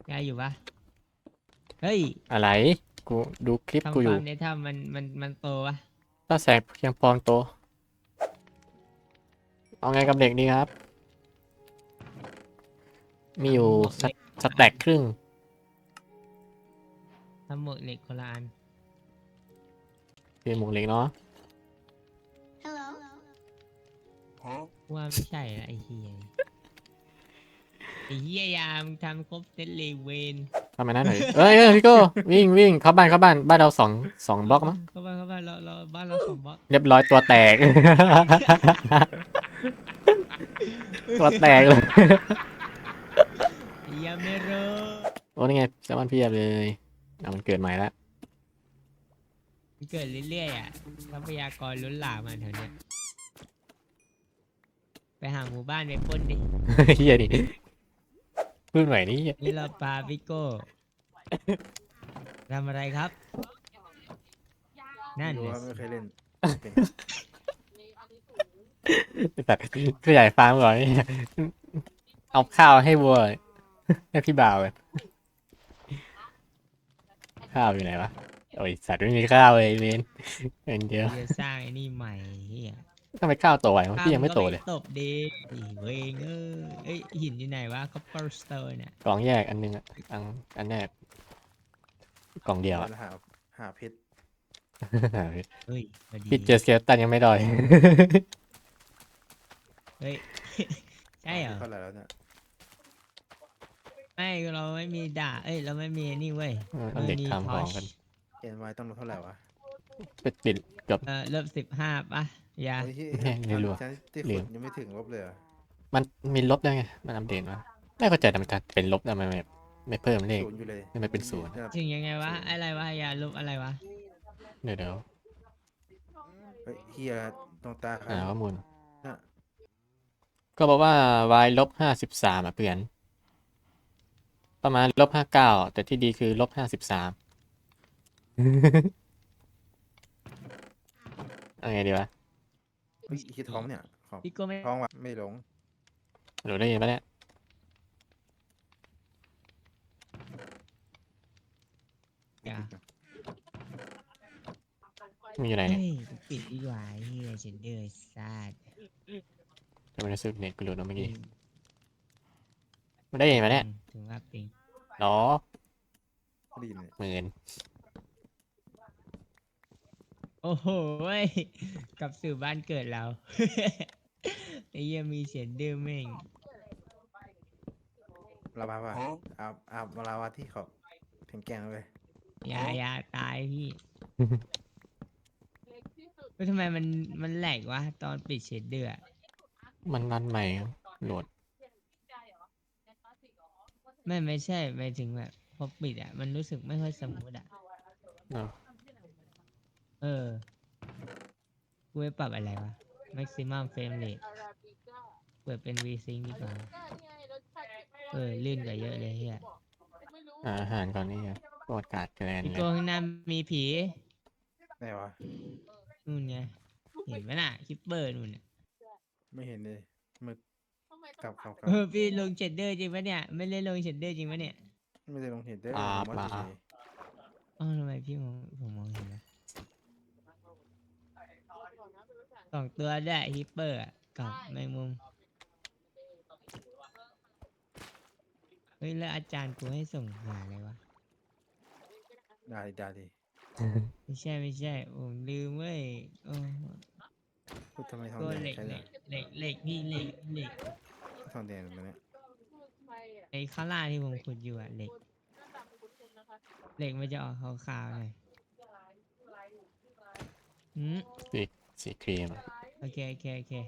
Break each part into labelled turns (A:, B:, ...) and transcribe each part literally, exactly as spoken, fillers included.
A: ยายอยู่ปะเฮ้ย
B: อะไรกูดูคลิปกู
A: ทำ
B: อยู่
A: ฟาร์มในถ้ำมันมันมันโตปะ
B: ถ้าแสงเพียงพอโตเอาไงกับเด็กดีครับมีอยู่
A: ทำหมวก
B: ส
A: เหล็ก
B: สแต็กครึ่ง
A: ทำหมวกเหล็กคนละอัน
B: คือหมูเล็กเนาะ
A: ว่าไม่ใช่ละไอ้เฮียไอ้เฮียยามงทำครบเซตเลยเวน
B: ทำไมนั่นหน่อยเอ้ยเอ้ยพี่โก้วิ่งวิ่งเข้าบ้านเข้าบ้านบ้านเราสองสองบล็อกมั้ง
A: เข้าบ้านเข้าบ้านเราเราบ้านเราสองบล็อก
B: เรียบร้อยตัวแตก ตัวแตกเลย
A: ไอ้เฮียไม่รู้
B: โอ้นี่ไงแซลมอนเพียบเลยเอามันเกิดใหม่แล้ว
A: มันเกิดเรื่อยๆอ่ะทรัพยากรล้นหลามอ่ะแถวเนี้ยไปหาหมู่บ้านไปปล้นดิ
B: เฮียดิพูดใหม่นี่เหี้ย
A: นี่เราปาปิโก้ทำอะไรครับนั่น
C: รู้
A: เลย
C: ว่าไม่เคยเล่นเป็น
B: แต่ผู้ใหญ่ฟาร์มก่อนนี่เอาข้าวให้วัวให้พี่บ่าวเลยข้าวอยู่ไหนวะโอ้ยสัตว์ไม่มีข้าวเลยเวนเป็นเดียว
A: จะสร้างไอ้นี่ใหม่เฮีย
B: ทำไมข้าวโตไววะพี่ยังไม่โตเลย
A: ตบดีอีเวงเออเอ้ยหินอยู่ไหนวะคัพเปอร์สโตนเนี่ย
B: กล่องแยกอันนึงอ่ะอันอันแรกกล่องเดียวอ่ะ
C: หาหาเพชร
A: เฮ้ยพอดี
B: พี่เจอสเกลตันยังไม่ดอย
A: เฮ้ย ใช่เหรอ
C: เท่าไหร่แล้วเนี่ย
A: ไม่เราไม่มีด่าเอ้ยเราไม่มีนี่เว้ย
B: เอาเด็กทำของกัน
C: เอ็นไวต้องลดเท่าไหร่วะ
B: ปิดปิดเกือบ
A: เออเริ่มสิบห้าป่ะยา
C: โอ้ยที่
B: แม่งไม่รู้อะ
C: ฉันที่
B: ลื
C: ขุด
B: ม
C: ยังไม่ถึงลบเลยเหรอ
B: มันมีลบได้ไงมันอัปเดตมาไม่เข้าใจทำไมเป็นลบทำไมไม่ไม่เพิ่มเลข
C: ศูนย์อยู่เลย
B: ไม่เป็นศูนย์
C: ครับ
A: ถึงยังไงวะอะไรวะยาลบอะไรวะ
B: เดี๋ยวเดี๋ยว
C: เฮ้ยเฮียตรงตา
B: หาข้อมูล
C: น่ะ
B: ก็บอกว่า y ลบห้าสิบสามอ่ะเพื่อนประมาณลบห้าเก้าแต่ที่ดีคือลบห้าสิบสาม เอาไงดีวะ
C: เฮ้ยอีกท้องเนี่ยของ
A: พี่ก็ไม่
C: ท้องวะไม่หลง
B: หนูได้ยินปะเนี่ย
A: ยา
B: มันอยู่ไหน
A: เฮ้
B: เนี่ย
A: ยปิดดีกว่าเฮียฉันเดือดซาด
B: จะไม่ได้ซื้อเน็ตกูหลุดเมื่อกี้มันได้ยินปะเนี่ย
A: ถึงว่าปิง
B: หรอ
C: ดีเนี่ย
B: หมื่น
A: โอ้โหยกลับสู่บ้านเกิดเรา ไอ้เหี้ยังมีเสียงดื้อแม่ง
C: ลาวาว่ะอาบอาบลาวาที่เขาแข็งแกร่งเลย
A: อยาอยาตายพี่ เฮ้ยทำไมมันมันแหลกวะตอนปิดเชดเดอร์อะ
B: มันรันใหม่โหลด
A: ไม่ไม่ใช่หมายถึงแบบพอปิดอ่ะมันรู้สึกไม่ค่อยสมูทอ่ะ
B: เอ้า
A: เออกูไปปรับอะไรวะ maximum frame rate เปิดเป็น V-Sync ดีกว่าเออลื่นกว่าเยอะเลยเฮีย
B: หาอาหารก่อนนี่ไงประวัติการแกรน
A: พี่
B: เล
A: โก
B: ย
A: ข้างหน้ามีผี
C: ไหนวะ
A: นู่นไงเห็นไหมน่ะคิปเปอร์นู่นน่ะ
C: ไม่เห็นเลยมึกกลับกลับกลับ
A: เออพี่ลงเชดเดอร์จริงปะเนี่ยไม่ได้ลงเชดเดอร์จริงปะเนี่ย
C: ไม่ได้ลงเห็นเด้อ
B: อ่า
C: ผมว่า
B: มา
C: เฉย
A: อ๋อทำไมพี่มองผมมองเห็นนะสองตัวได้ฮิปเปอร์อะกับแมงมุมเฮ้ยแล้วอาจารย์กูให้ส่งหาอะไรวะ
C: ๆได้ได้ดิ
A: ไม่ใช่ไม่ใช่ผมลืมเว้ยโอ้
C: พูดทำไมทอง
A: ตัว
C: แดง
A: เหล็ก
C: ใช้
A: เห
C: ได้
A: ล็กเหล็กเหล็กพี่เหล็กเหล็ก
C: ทองแดงตัวเนี้ย
A: ไอ้ข้างล่างที่ผมขุดอยู่อะเหล็กเหล็กมันจะออกขาวๆหน่อยอืม
B: สีสีครีมอะ
A: โอเคโอเคโอเค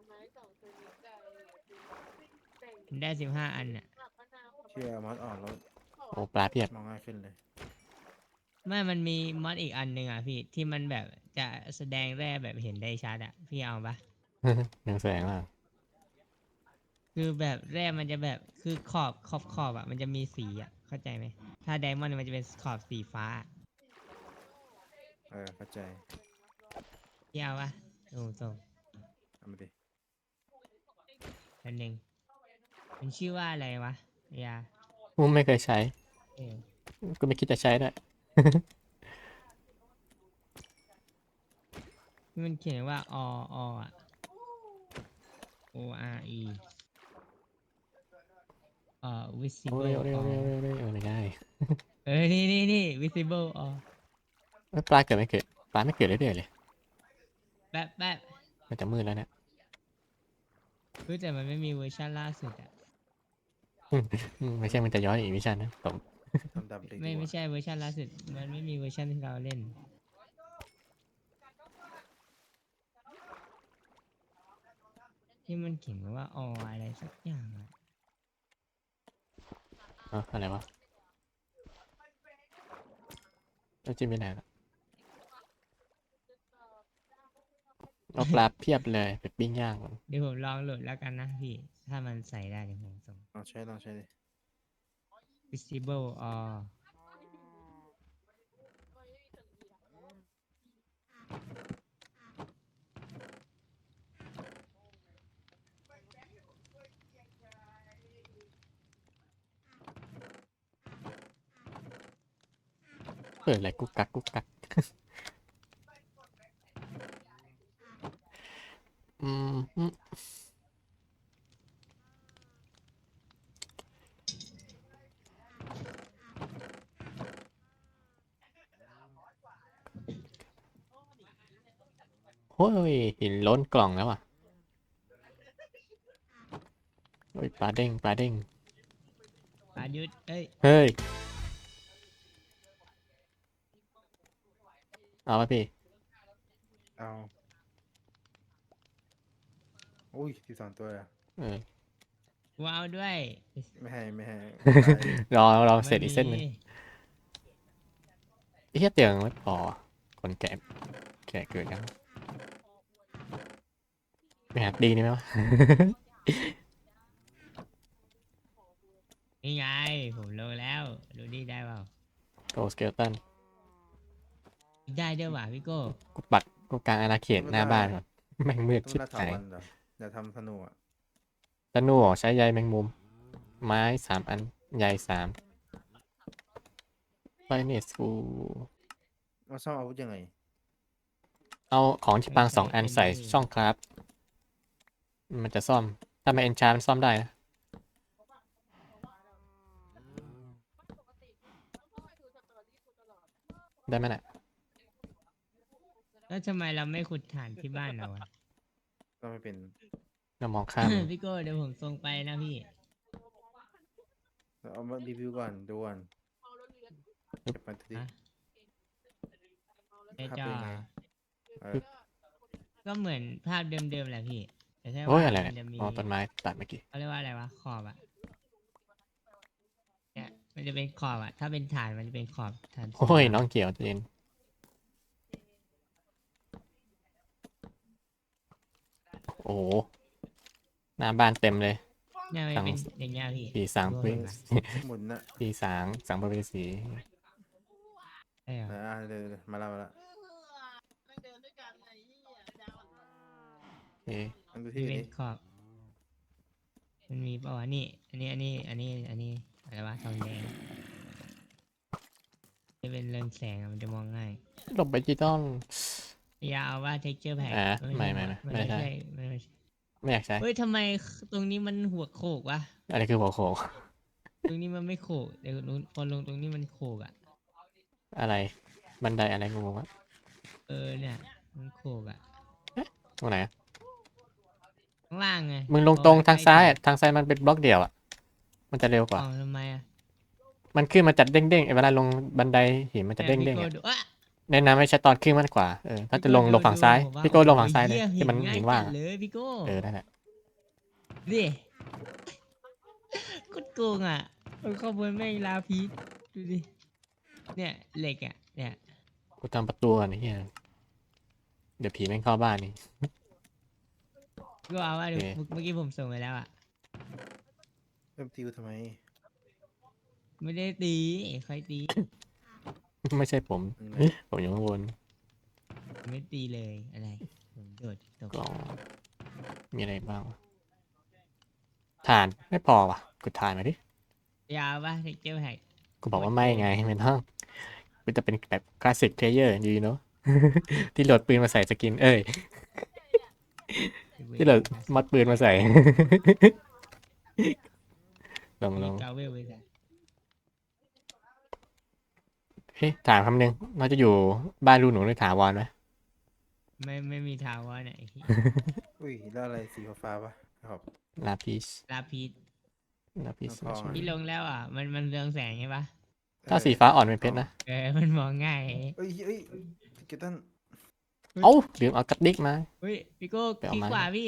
A: ผมได้สิบห้าอันน่ะ
C: เชื่อมอสอ่อนแล้ว
B: โอ้ปลาเพียบ
C: มองง่ายขึ้นเลย
A: ไม่มันมีมอดอีกอันหนึ่งอ่ะพี่ที่มันแบบจะแสดงแร่แบบเห็นได้ชัดอ่ะพี่เอาปะ
B: ยังแสงมาก
A: คือแบบแร่มันจะแบบคือขอบขอบขอบอ่ะมันจะมีสีอ่ะเข้าใจไหมถ้าไดมอนด์มันจะเป็นขอบสีฟ้า
C: เออเข้าใจ
A: พี่เอาปะโอ้ส่ง
C: เอามาดิ
A: อันหนึ่งมันชื่อว่าอะไรวะยา
B: กูไม่เคยใช้
A: เออ
B: กูไม่คิดจะใช้ด้วย
A: ที่มันเขียนว่าอออ่ะ O R E เอ่อ
B: โอ้
A: visible
B: เร็วเร็ว
A: or
B: เร็วเร็วเร็วเออไม่ได้
A: เอ้ยนี่นี่นี่ visible or
B: เอ้ยปลาเกิดไม่เกิดปลาไม่เกิดเรื่อยๆเลย
A: แป๊บแป๊บ
B: มันจะมืดแล้วเนี่ย
A: รู้แต่มันไม่มีเวอร์ชันล่าสุดอ่ะ
B: อืมไม่ใช่มันจะย้อนอีกวิชันนะผม
C: ทำดำเลย
A: ไม่
C: ดีก
A: ไม่
C: ว่า
A: ใช่เวอร์ชันล่าสุด มันไม่มีเวอร์ชันที่เราเล่น ที่มันเขียนว่าออะไรสักอย่างอะ
B: เอ้าอะไรวะแล้วจิ้มไปไหนล่ะเอาปลาเพียบเลยไปปิ้งย่างก่อน
A: เดี๋ยวผมลองโหลดแล้วกันนะพี่ ถ้ามันใส่ได้เดี๋ยวผมส่ง
C: ลองใช้ลองใช้ดิ
A: visible or
B: เปิดอะไรกุ๊กกักกุ๊กกัก อืมอืมโอ้ยหินล้นกล่องแล้วอ่ะโอ้ยปลาเด้งปลาเด้ง
A: ปายุทธเอ้ย
B: เฮ้ย เอาป่ะพี่
C: เอาอุ้ยสิบสองตัวอะ
B: เออ
A: ว้าวด้วย
C: ไม่ให้ไม่ให้
B: รอรอเสร็จอีกเส้นหนึ่ง
A: ไม่มี
B: ไอ้เหี้ยเตียงไม่พอคนแก่แก่เกินยังไม่หาดีนี่ไหมวะ
A: นี่ไง ผมโหลดแล้ว ดูดิได้เปล่า
B: โกสเกลตัน
A: ได้ด้วยว่ะพี่โก้
B: กูปักกูกลางอาณาเขตหน้าบ้านก่อนแม่งมืด
C: ต้อง
B: ชิบ
C: ล่าถา
B: หาย
C: วันเหรอเดี๋ยวทำธนูอ่ะ
B: ธนูเหรอใช้ใยแมงมุม ไม้สามอันใยสามไฟเนสกู
C: มาซ่อมอาวุธยังไง
B: เอาของที่ปางสองอันใส่ช่องครับ มันจะซ่อม ถ้าไม่เอนชามันซ่อมได้นะ ได้ไหมน่ะ
A: แล้วทำไมเราไม่ขุดฐานที่บ้านเราอะ
C: ก็ไม่เป็น
B: เรามองข้ามมัน
A: พี่โก้เดี๋ยวผมส่งไปนะพี่
C: เอามารีวิวก่อนดูก่อนเก็บมาที
A: ฮะ ไอ้
C: ภาพ
A: จอ
C: เป็นไงเออ
A: ก็เหมือนภาพเดิมๆแหละพี่แต่แค่
B: โอ้ย
A: ว่า
B: อะไร
A: มั
B: เนี่ย
A: จะมี
B: อ๋อต้นไม้ตัดเมื่อกี้
A: เขาเรียกว่าอะไรวะขอบอะเนี่ยมันจะเป็นขอบอะถ้าเป็นฐานมันจะเป็นขอบฐานสี
B: โอ้ย
A: ขาว
B: น้องเกี่ยวเจนโอ้โหหน้าบ้านเต็มเลย
A: เนี่ยมัน
B: สั่ง
A: เป็นอย่างเงี้ยพี่
B: ปีสาง
A: ดู
B: ปี
A: เห็นปะ
C: หมุนนะ
B: ปีสางสังบริสี
A: ใช่เหรอ
C: อ่าเดี๋ยวเดี๋ยวมาแล้วมาแล้ว
B: เอ๊ะ
C: มันดู
A: มัน
C: ที่
A: เป็น
C: นี้
A: ขอบ มันมีเปล่าวะนี่ อันนี้อันนี้อันนี้อันนี้อะไรวะทองแดงจะเป็นเรืองแสงอะมันจะมองง่าย
B: หลบไปดิจิตอล
A: อย่าเอาว่า texture pack
B: อ่า
A: เอ้ย
B: ไม่ไม่ไม่
A: มัน
B: ไม่
A: ไม่
B: ใช่
A: ใช่มันไม่ใช่
B: ไม่อยากใช้
A: เฮ้ยทำไมตรงนี้มันหัวโขกวะ
B: อะไรคือหัวโขก
A: ตรงนี้มันไม่โขกแต่คนลงตรงนี้มันโขกอ่ะ
B: อะไร บันไดอะไรงงวะ
A: เออเนี่ยมันโขกอ่ะ
B: ตรงไหนอะ
A: ข้างล่างไง
B: มึงลงตรงทางซ้ายอะทางซ้ายมันเป็นบล็อกเดียวอ่ะ มันจะเร็วกว่า
A: อ๋อทำไมอ่ะ
B: มันขึ้นมาจัดเด้งๆไอ้เวลาลงบันไดหินมันจะเด้งๆ
A: นี่ย
B: อ่ะ
A: พี่โก้ดูอ่ะ
B: แนะนำให้ใช้ตอนขึ้นมากกว่า เออ ถ้าจะลง
A: พี่
B: ล
A: โก้
B: งฝั่งซ้าย
A: ดูผมว่
B: พี่โก้ลงฝั่ง
A: โอ้โห
B: ซ้ายเลย
A: หี้
B: ที่มัน
A: ง่
B: หินว่าง
A: จัด
B: อะ
A: เลยพี่โก้
B: เออ นั่นแหละ
A: ดิกดโกงอ่ะมันข้อมูลแม่งลาพีชดูดิเนี่ยเหล็กอ่ะเนี่ย
B: กูทำประตูก่อนไอ้เหี้ยเดี๋ยวผีแม่งเข้าบ้านนี่
A: ก็เอาว่าเดี๋ยว
B: โอเค
A: เมื่อกี้ผมส่งไปแล้วอ่ะ
C: เริ่มติวทำไม
A: ไม่ได้ตีใครตี
B: ไม่ใช่ผม
C: อืม
B: ผมอยู่ข้างบน
A: ไม่ตีเลยอะไรผมโดดตก
B: กล่อง มีอะไรบ้างวะถ่านไม่พอว่ะกดถ่านมาดิ
A: ใจยาวปะเทคเจอร์แพ็ก
B: กูบอกว่าไม่ไงไม่ต้องกูจะเป็นแบบคลาสสิกเพลเยอร์ดีเนาะ ที่โหลดปืนมาใส่สกิน เอ้ย ที่โหลดมัดปืนมาใส่ ลองล
A: มี
B: อง
A: กาเวลไปใส่
B: เฮ้ยถามคำนึงเราจะอยู่บ้านรูหนูหรือถาวรไหม
A: ไม่ไม่มีทาวน์ไหน
C: อุ้ยแล้วอะไรสีฟ้าๆปะครับ
B: ลาพิส
A: ลาพีด
B: ลาพิส
C: ทองๆอะ
A: ที่ลงแล้วอ่ะ มันมันเรืองแสงใช่ปะ
B: ถ้าสีฟ้าอ่อนเป็นเพชรนะ
A: เออมันมองง่าย
C: เอ้ยเอ้ยเกตัน
B: เอ้าลืมเอากระดิกมา
A: เฮ้ยพี่โก้
B: ไปเอา
A: คลิก
B: ไม้
A: ขวาพี่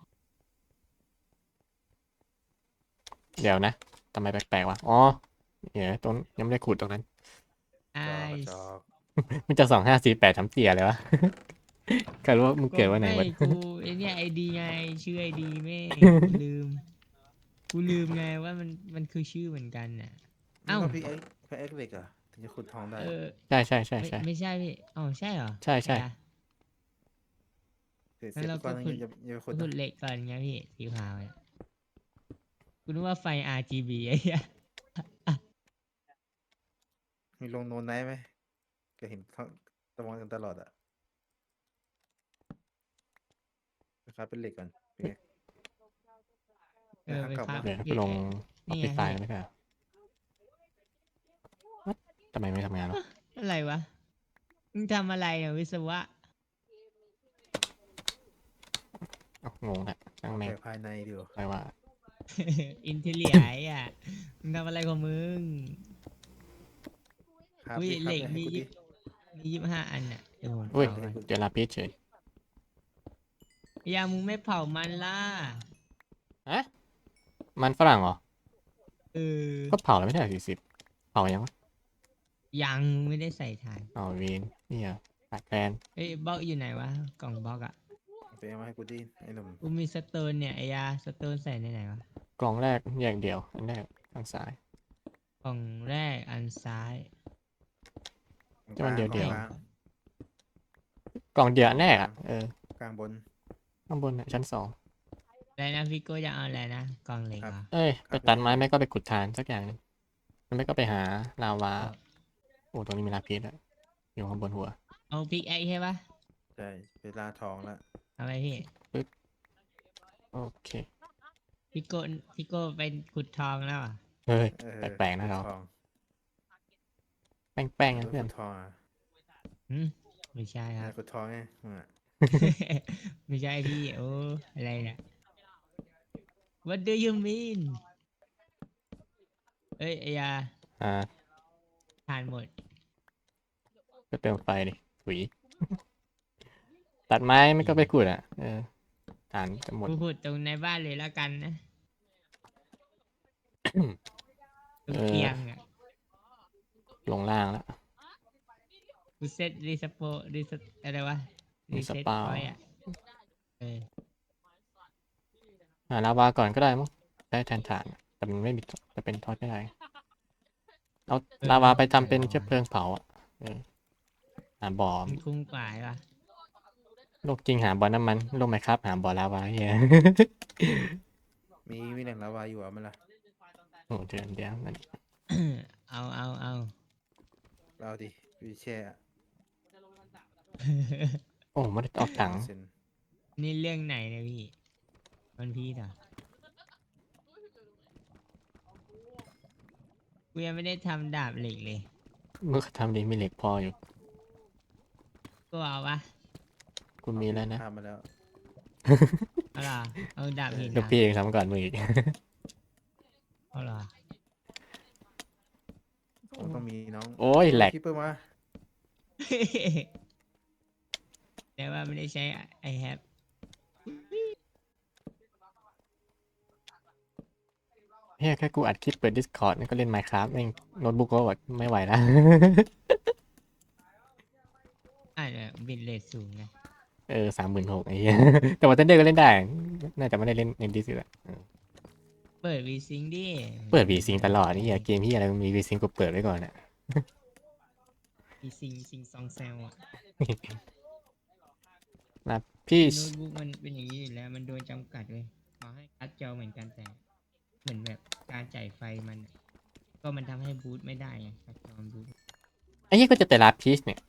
B: เดี๋ยวนะทำไมแปลกๆวะ อ๋อเดี๋ยวตรงยังไม่ได้ขุดตรงนั้น
A: ไอ
C: จอก
B: มันจะสองห้าสี่แปดทำเตี่ยเลยวะ ใครรู้ว่ามึงเกิดวันไหนวะ
A: ไม่กูไอเนี่ยไอดีไงชื่อไอดีแม่ง ลืม กูลืมไงว่ามันมันคือชื่อเหมือนกันน่ะ
C: เอ้า
A: เอ้า
C: พี่เอ็กพี่เอ็กเหล็กเหรอ่ะถึงจะขุดทองได้
A: เออ
B: ใช่ใช่ใช่
A: ไม่
B: ใช่
A: ไม่ใช่พี่อ๋อใช่เหรอ
B: ใช่ใช่
A: อะ
C: เสร็จ
A: งั้
C: เสร็
A: น
C: จ
A: เรา
C: ก่อน
A: ก็
C: นึง
A: ขุด
C: อย่าอย่าไปขุ
A: ก็
C: ด
A: ขุ
C: นะ
A: ดเหล็กก่อนไงพี่สีขาวเนี่ยกูนึกว่าไฟ อาร์ จี บี ไอ้เหี้ย
C: มีลงโนนไนท์ไหมก็เห็นเขาตะวันกันตลอดอ่ะนะครับเป็นเหล็กก่อนพี่เอ็ก
A: เออไป
C: กลับ
A: ครับ
C: มา
B: เดี๋ยว
A: พี่
B: ไปลงออ
A: นี่
B: ฟ
A: ไง
B: ฟิศไฟล์
A: พี่
B: ไม่ใช่เหรอ What? ทำไมไม่ทำงานวะ
A: อะไรวะมึงทำอะไรอ่ะวิศวะ
B: เอ้างงแหละช่างแม่ง
C: แต่ภายในเดียว
B: อะไรวะ
A: อินเทเลียไอ้อ่ะมึงทำอะไรของมึง
C: ครับ
A: อุ้ย
C: พี่ครับ
A: เหล็ก
C: เนี่ยให้
A: มี
C: กู
A: ยี่
C: ดิ
A: สิบมียี่สิบห้าอันน่ะเดี๋ยวผม
B: อุ้ย
A: เผาก่อน
B: เจอลาพิสเฉย
A: อย่ามึงไม่เผามันล่ะ
B: ฮะมันฝรั่งเหรอ
A: เออ
B: ก็เผาแล้วไม่ใช่สี่สิบเผายังวะ
A: ยังมึงไม่ได้ใส่ถ่าน
B: อ๋อเวนนี่เหรอตัดแฟน
A: เอ้ยบล็อกอยู่ไหนวะกล่องบล็อกอ่ะ
C: ไปเอามาให้กูดิไอ้หนุ่ม
A: กูมีสโตนเนี่ยไอ้ยาสโตนใส่ในไหนวะ
B: กล่องแรกแยกเดียว อันแรกข้างซ้าย
A: กล่องแรกอันซ้าย
B: จะมันเดี่ยวๆ
C: กลาง
B: กล่องเดียวอันแรกอ่ะ เออ
C: กลางบน
B: ข้างบนน่ะชั้นสอง
A: อะไรนะพี่โก้จะเอาอะไรนะกล่องเหล็ก
C: ครับ
A: เหรอ
B: เอ้ย ไปตัดไม้ไม่ก็ไปขุดทานสักอย่างหนึงไม่ก็ไปหาลาวา
A: ครับ
B: โอ้ตรงนี้มีลาพิสอะอยู่ข้างบนหัว
A: เอาพิกไอใช่ปะ
C: ใช่เวลาทองแล้ว
A: เอาไปพี่
B: โอเค
A: พี่โก้พี่โก้เป็นขุดทองแล้วเหรอ่ะ
B: เฮ้ย
C: เออ
B: แปลกๆนะเรา
C: ทอง
B: แป้งๆนะ
C: เออ
B: เพื่อน
C: ขุดทองอ่ะ
A: หืมไม่ใช่ค
C: เอ
A: รั
C: อบ ขุดทองไงมึงอะ
A: ไม่ใช่พี่โอ้อะไรเนี่ย What do you mean เอ้ยไอ้ยา
B: อ่า
A: ทานหมด
B: ก็เติมไฟดิถุย ตัดไม้ไม่ก็ไปขุดอ่ะ เออฐานจะหมด
A: กูขุดตรงในบ้านเลยแล้วกันนะตรง
B: เออ
A: เตียงอ่ะ
B: ลงล่างแล้ว
A: กูเซตรีสโปรีสอะไรวะรีเซ็ต
B: Respawn
A: พอยต์อ่ะเออ
B: หาลาวาก่อนก็ได้มั้งได้แทนฐาน แต่มันไม่มีจะเป็นทอดไม่ได้ เอาลาวาไปทำเป็นเชื้อเพลิงเผาอ่ะ เออหาบ่อ
A: มันคุ้มกว่าป่ะ
B: โลกจริงหาบ่อน้ำมันโลกไหมครับหาบ่อลาวาเฮีย
C: มีมีแหล่งลาวาอยู่อ่ะมันล่ะ
B: โอ้เดือนเดียวนั่น
A: เอาเอาเอา
C: เราดิวีแช่อะ
B: โอ้ไม่ได้ออกถัง
C: เซ็น
A: นี่เรื่องไหนเนี่ยพี่มันพี่เหรอกูยังไม่ได้ทำดาบเหล็กเลย
B: เมื่อทำดีมีเหล็กพออยู่
A: กูเอาปะ
B: คุณมีแล้วนะ
C: ทำมาแล้ว
A: เอาเหรอเอาดาบหิน
B: ลูก
A: นะ
B: พี่เองทำก่อนมืออีก
A: เอาเหรอ
C: มันต้องมีน้อง
B: โอ้ยแหลก
C: คิปเปอร์มา
A: แต่ว่าไม่ได้ใช้ I have
B: เฮียแค่กูอัดคลิปเปิด Discord นี่ก็เล่น Minecraft แม่งโน้ตบุ๊กก็แบบไม่ไหวแล้ว
A: อ่าเนี่ยบิตเรทสูงไง
B: เออสามหมื่นหกไอ้เหี้ย แต่ว่าเทนเดอร์ก็เล่นได้ น่าจะไม่ได้เล่นในดิสก์อะเออ
A: เปิดวีซิงดิ
B: เปิดวีซิงตลอดนี่อย่าเกมที่อะไรมันมีวีซิงกูเปิดไว้ก่อนอะ
A: วีซิงซิงซองแซลอ่ะ
B: นะพี่
A: โน้ตบุ๊กมันเป็นอย่างนี้อยู่แล้วมันโดนจำกัดเลยขอให้การ์ดจอเหมือนกันแต่เหมือนแบบการจ่ายไฟมันอะก็มันทำให้บูทไม่ได้ไงครับตอนบูท
B: ไอ้เหี้ยก็จะแต่ลาพีชเนี่ย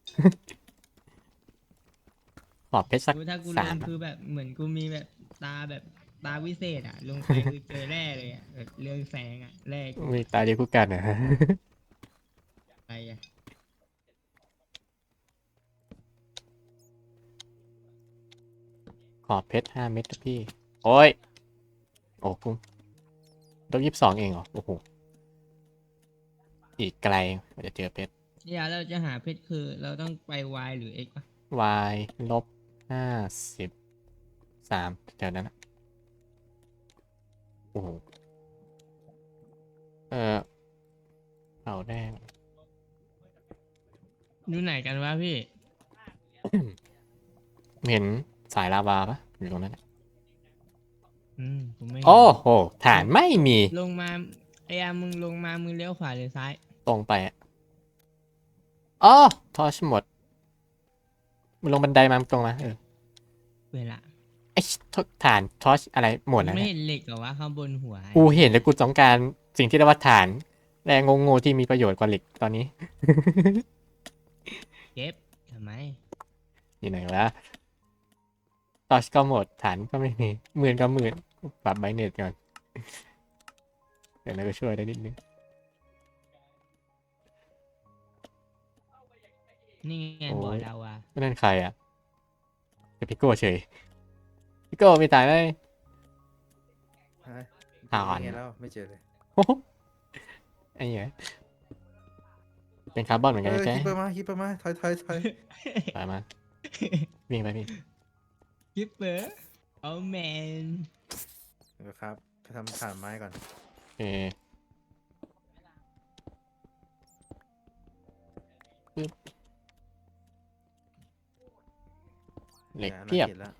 B: ขอบเพชรสัก
A: กูถ้ากูล
B: สาง มอะ
A: คือแบบเหมือนกูมีแบบตาแบบตาวิเศษอะลงไปคือเจอแร่เลยอะแบบเรื่องแสงอะแร่กู
B: มีตาเดียวกูกันเหรอ
A: อะไรอะ
B: ขอบเพชรห้าเม็ดนะพี่ โอ้ย โอ้กูต้องยี่สิบสองเองเหรอ โอ้โห อีกไกลกว่าจะเจอเพชร
A: เนี่ยเราจะหาเพชรคือเราต้องไป Y หรือ X ปะ
B: y ลบห้าสิบสามแถวนั้นนะโอ้โห เออเอาแดง
A: อยู่ไหนกันวะพี่
B: เห็นสายลาวาปะอยู่ตรงนั้นน่ะ
A: อืมผมไม่เห็น
B: โอ้โห ฐานไม่มี
A: ลงมาไอ้อามึงลงมามึงเลี้ยวขวาหรือซ้าย
B: ตรงไปอ่ะอ๋อทอชหมดมันลงบันไดมาตรงมาเออ
A: เวลา
B: ไอ้ทฐานทอชอะไรหมดแล้ว
A: ไม่
B: เนี่ย
A: เห็นเหล็กเหรอวะข้างบนหัว
B: กูเห็นแล้วกูต้องการสิ่งที่เรียกว่าฐานแรงงงๆที่มีประโยชน์กว่าเหล็กตอนนี้
A: เก็บทำไม
B: อยู่ไหนวะทอชก็หมดฐานก็ไม่มีหมื่นก็หมื่นปรับไบเน็ตก่อนเดี๋ยวเราก็ช่วยได้นิดนึง
A: นี่ไง
B: โอ้ย
A: บ่อดาวา
B: ไม่นั่นใครอ่ะเป็นพิโก้เฉยพิโก้มีตายไหม
C: ฮะ
B: อ่อน
C: ไงแล้วไม่เจอเลย
B: โอ้โหไอ้เหี้ยเป็นคาร์บอนเหมือน
C: เอ
B: กัน
C: อ
B: ใช่
C: คิป
B: ไห
C: เป
B: ม
C: อร์มาคิปเปอร์มาถอยถอยถอย
B: ไปมาวิ่งไปพี่
A: กิปเปอร์โอ้แมน
C: เดี๋ยวครับไปทำฐานไม้ก่อน
B: โอเคปึ๊บเหล็ก
C: นี่
B: เพียบ
C: อาณาขตแล้ว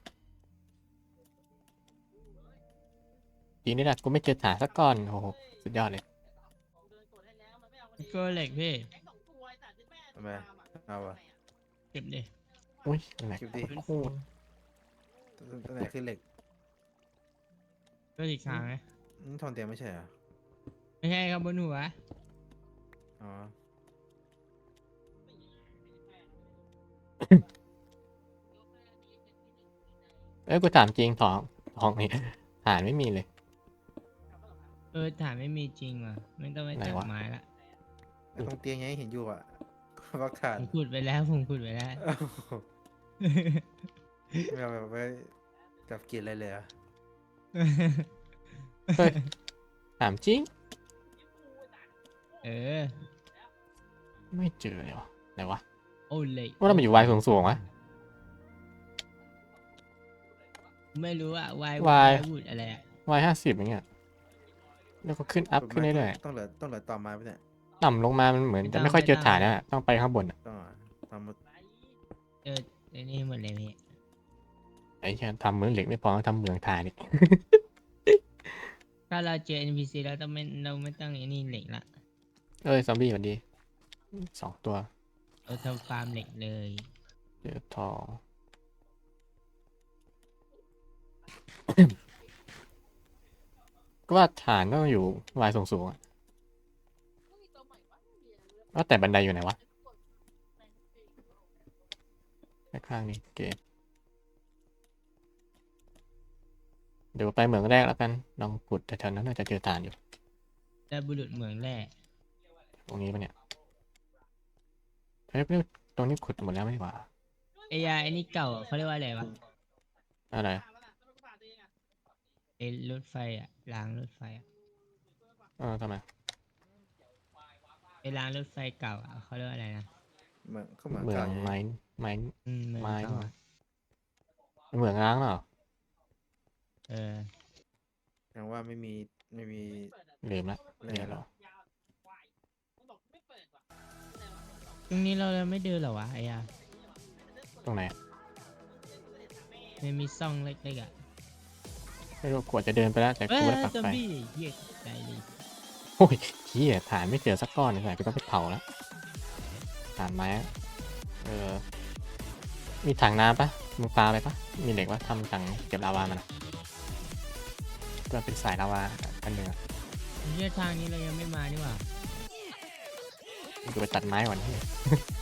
B: ดีนี่แหละกูไม่เจอฐานสักก้อนโอ้โหสุดยอดเลย
A: ก็เหล็กพี่
C: ทำไมเอาอะ
A: เก็บดิ
B: อุ้ยแหลก
C: เก็บดิ
B: โคตร
C: ตัวไหนคือเหล็ก
A: ก็อีกทางไหม
C: นี่ทองเตียมไม่ใช่เหรอ
A: ไม่ใช่ครับบนหัว
C: อ๋อ
B: เอ้ยกูถามจริงทองทองนี่ฐานไม่มีเลย
A: เออฐานไม่มีจริงว่ะไม่ต้องไป
B: ไหน
A: จับ
B: วะ
A: ไม้ละ
C: ไอ้ตรงเตียงยังเห็นอยู่อ่ะ ก็ขาด
A: ผมขุดไปแล้วผมขุดไปแล้ว
C: เอ้าไม่เอาแบบไปจับกินอะไรเลยเหรอ่ะ
B: เฮ้ยถามจริง
A: เออ
B: ไม่เจอเลยวะไหนวะ
A: โอ้เหล็ก
B: ว่าเรามันอยู่วายสูงๆวะ
A: ไม่รู้อะวายว
B: าย
A: บุดอะไรอะ
B: วายห้าสิบอย่างเงี้ยแล้วก็ขึ้นอัพขึ้นเรื่อย
C: ต้องเหลือต้องเหลือต่อไม้ไปเนี่ย
B: ๆต่ำลงมามันเหมือนจะไม่ค่อยเจอฐานนะต้องไปข้างบนอะ
C: ต้องทำหมด
A: เออไอ้นี่หมดเลยพี่
B: ไอ้เหี้ยทำเหมืองเหล็กไม่พอต้องทำเหมืองฐานอีก
A: ถ้าเราเจอ เอ็น พี ซี แล้วต้องไม่เราไม่ต้องไอ้นี่เหล็กละ
B: เอ้ยซอมบี้สวัสดีสองตัว
A: เราทำฟาร์มเหล็กเลย
B: เจอทอง ก็ว่าฐานต้องอยู่วายสูงๆอะว่าแต่บันไดอยู่ไหนวะข้างๆนี่เกมเดี๋ยวไปเหมืองแรกแล้วกันลองขุดแต่แถวนั้นน่าจะเจอฐานอยู่
A: แต่บุรุษเหมืองแร่
B: ตรงนี้ปะเนี่ยเฮ้ยตรงนี้ขุดหมดแล้วไม่ใช่หว่า
A: ไอ้ยาไอ้นี่เก่าอะเขาเรียกว่าอะไรวะ
B: อะไร
A: ไอ้รถไฟอะรางรถไฟอะ
B: เออทำไม
A: ไอ้รางรถไฟเก่าอะเขาเรียกว่าอะไรนะ
C: เหมืองก็เหมือง
B: เหมือ
C: เก่าง อยู่
B: ไม้ไม้
A: อืมเหมือง
B: ไม้
A: เก่า
B: เหรอ
A: อะ
B: เหมืองร้างเหรอ
A: เออ
C: ยังว่าไม่มีไม่มี
B: ลืมละ
C: แร่
B: เนี่ยเหรอ
A: ตรงนี้เราเลยไม่เดินเหรอวะไอ้ยา
B: ตรงไหน
A: ไม่มีซ่องเล็กๆอะ
B: ไม่รู้กว่าจะเดินไปแล้วแต่
A: เอ้
B: กู
A: ย
B: ได้ปัก
A: ซอม
B: ไฟ
A: บี้เหี้ยใจเลย
B: โอ้ยเฮียฐานไม่เจอสักก้อนเลยกูต้องไปเผาแล้วฐานไม้อะเออมีถังน้ำปะมึงปลาไปปะมีเหล็กว่าทำถังเก็บลาวามันอะก็เป็นสายลาวาอันหนึ่งอะ
A: เหี้ยทางนี้เรายังไม่มานี่หว่า
B: กูไปตัดไม้ก่อนที่